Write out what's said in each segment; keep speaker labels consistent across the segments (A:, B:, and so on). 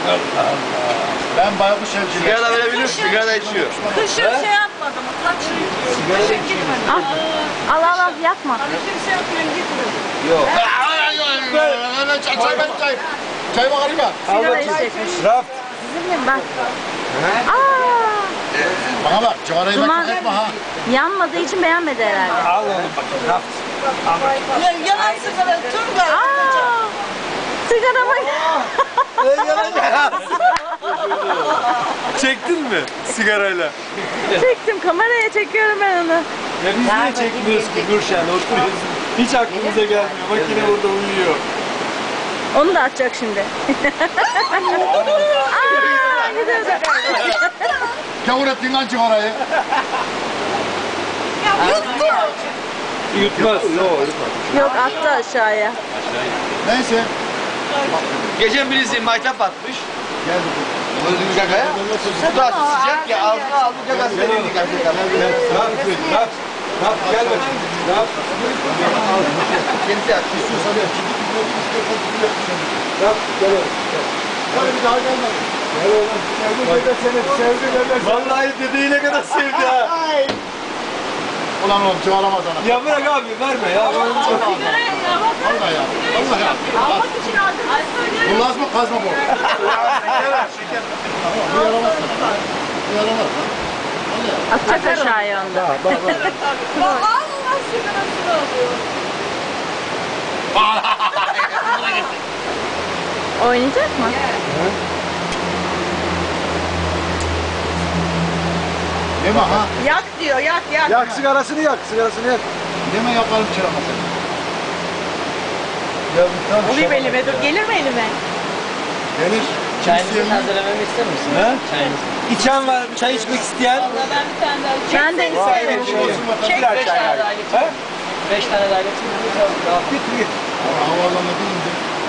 A: Ben baykuş evciyim.
B: Sigara da verebilir, sigara da içiyor.
C: Kışın şey yapmadım. Kışın gitmedim.
D: Al yakma.
C: Hani kimse yapmayan gitmedim.
B: Yok.
A: Çay bakayım ya.
D: Sigara içecekmiş.
A: Raf.
D: Sizin mi bak.
A: Bana bak, cigarayı
D: Duman
A: etme ha.
D: yanmadığı için beğenmedi herhalde.
A: Al onu bakayım, Raf.
C: Yalan sigara tüm geldi.
D: Sigara bak.
E: Çektin mi sigarayla?
D: Çektim, kameraya çekiyorum ben onu.
E: Ya biz niye çekmiyoruz ki Nurşen? Oturuyoruz. Hiç aklımıza gelmiyor. Makine burada uyuyor.
D: Onu da atacak şimdi. Gidiyordu.
A: Gavur ettin lan cigarayı.
E: Yutmaz.
D: Yok, attı aşağıya.
A: Neyse.
B: Geçen birisi maytap atmış.
A: Geldi.
B: Öldüğü gagaya. Bu da sıcak ya, ağzına aldı gagasını yedik.
E: Raf gel bakayım. Raf.
B: Kendisi atmış.
E: Raf gel oğlum.
A: Hadi bir daha gelme.
E: Gel oğlum. Dede seni sevdi Mehmet. Vallahi dedeyi ne kadar sevdi ha.
A: Ulan oğlum çağıramaz ana.
E: Ya bırak abi verme ya.
A: Allah ya. Allah ya.
C: Almak için aldım. Ay söyle.
A: Bu laz mı kaz mı bu? Bu yaramaz sana. Bu yaramaz lan.
D: Atacak aşağıya onu da.
C: Bak Allah sigarasını alıyor.
D: Oynayacak mı?
A: Yeme ha.
C: Yak diyor yak.
E: Yak sigarasını yak.
A: Yeme yaparım çırama seni.
E: Ya tam
C: Alayım elime dur. Gelir mi elime?
A: Gelir.
F: Çayınızı hazırlamamı ister misin?
E: He?
F: Çayınızı.
E: İçen var, çay içmek isteyen.
C: Valla ben bir tane daha.
D: Ben de isterim.
C: Çek 5 tane daha
E: He?
F: 5 tane daha getirin.
E: Git.
A: Havaalanına deyince.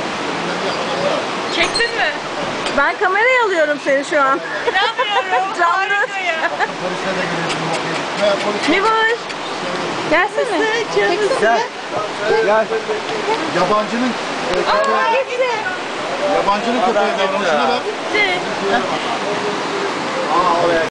C: Çektin mi?
D: Ben kameraya alıyorum seni şu an.
C: İnanmıyorum.
D: Canlı.
C: Harika ya.
A: Polisle de girelim. Veya polis.
D: Ne var? Gelsene.
E: Gel. Gel.
A: Yabancının yabancının köpeği davranışına bak.
D: Gitti.
A: Aa oraya.